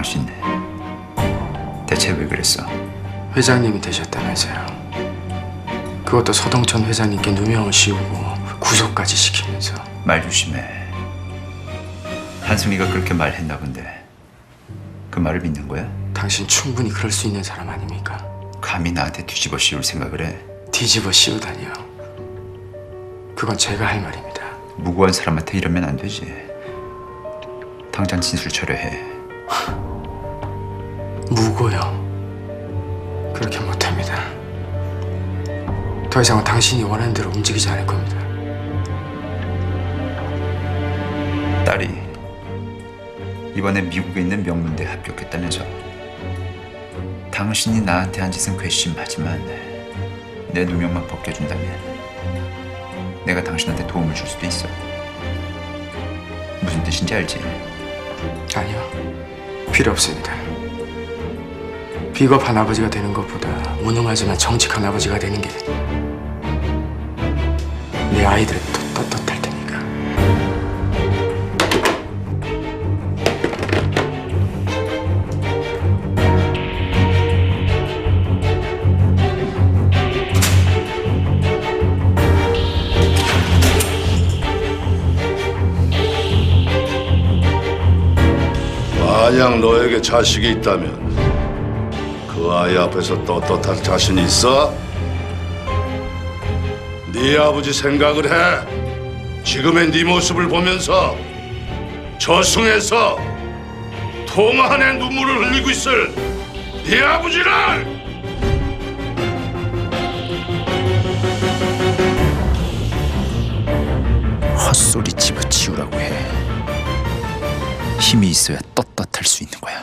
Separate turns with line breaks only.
당신 대체 왜 그랬어?
회장님이 되셨다면서요. 그것도 서동천 회장님께 누명을 씌우고 구속까지 시키면서.
말 조심해. 한승이가 그렇게 말했나 본데 그 말을 믿는 거야?
당신 충분히 그럴 수 있는 사람 아닙니까?
감히 나한테 뒤집어 씌울 생각을 해?
뒤집어 씌우다니요. 그건 제가 할 말입니다.
무고한 사람한테 이러면 안 되지. 당장 진술 철회해.
무고요. 그렇게 못합니다. 더 이상은 당신이 원하는 대로 움직이지 않을 겁니다.
딸이 이번에 미국에 있는 명문대에 합격했다면서. 당신이 나한테 한 짓은 괘씸하지만 내 누명만 벗겨준다면 내가 당신한테 도움을 줄 수도 있어. 무슨 뜻인지 알지?
아니요. 필요 없습니다. 비겁한 아버지가 되는 것보다 무능하지만 정직한 아버지가 되는 게 내 아이들은 더 떳떳할 테니까.
만약 너에게 자식이 있다면 그 아이 앞에서 떳떳할 자신 있어? 네 아버지 생각을 해. 지금의 네 모습을 보면서 저승에서 통한의 눈물을 흘리고 있을 네 아버지를!
헛소리 집어치우라고 해. 힘이 있어야 떳떳할 수 있는 거야.